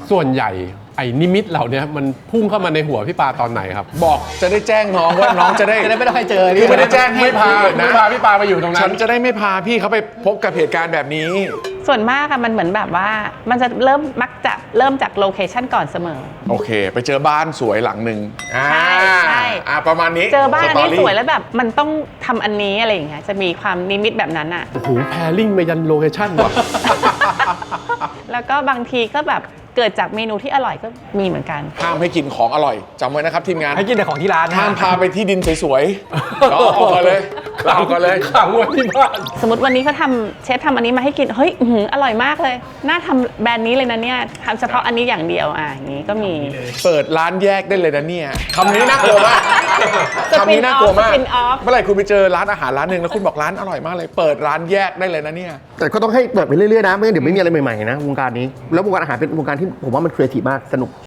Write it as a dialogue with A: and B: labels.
A: ส่วนใหญ่ไอ้นิมิตเหล่านี้มันพุ่งเข้ามาในหัวพี่ปาตอนไหนครับ
B: บอกจะได้แจ้งน้องว่าน้องจะได้
C: ไม่ต้องให้เจอ
B: คือไม่ได้แจ้งให้พานะ
A: ไม่พาพี่ปาไปอยู่ตรงนั้น
B: ฉันจะได้ไม่พาพี่เขาไปพบกับเหตุการณ์แบบนี้
D: ส่วนมากอะมันเหมือนแบบว่ามันจะมักจะเริ่มจากโลเคชันก่อนเสมอ
B: โอเคไปเจอบ้านสวยหลังหนึ่ง
D: ใช่
B: ประมาณนี้
D: เจอบ้านอันนี้สวยแล้วแบบมันต้องทำอันนี้อะไรอย่างเงี้ยจะมีความนิมิตแบบนั้นอะ
A: โอ้โหแพริ่งไปยันโลเคชั่นว่ะ
D: แล้วก็บางทีก็แบบเกิดจากเมนูที่อร่อยก็มีเหมือนกัน
B: ห้ามให้กินของอร่อยจำไว้นะครับทีมงาน
C: ให้กินแต่ของที่ร้าน
B: ห้ามพาไปที่ดินสวยๆเอาก่อนเลยเอาก่อนเลย
A: ขังไว้ที่บ้าน
D: สมมติวันนี้เขาเชฟทำอันนี้มาให้กินเฮ้ยอร่อยมากเลยน่าทำแบรนด์นี้เลยนะเนี่ยทำเฉพาะอันนี้อย่างเดียวอย่างนี้ก็มี
B: เปิดร้านแยกได้เลยนะเนี่ยคำนี้น่ากลัวมากคำนี้น่ากลัวมากเมื่อไหร่คุณไปเจอร้านอาหารร้านหนึ่งแล้วคุณบอกร้านอร่อยมากเลยเปิดร้านแยกได้เลยนะเนี่ย
E: แต่ก็ต้องให้เปิดไปเรื่อยๆนะไม่งั้นเดี๋ยวไม่มีอะไรใหม่ๆนะวงการนี้แล้ววงการอาหารเป็นวงการที่ผมว่ามันครีเอทีฟมากสนุก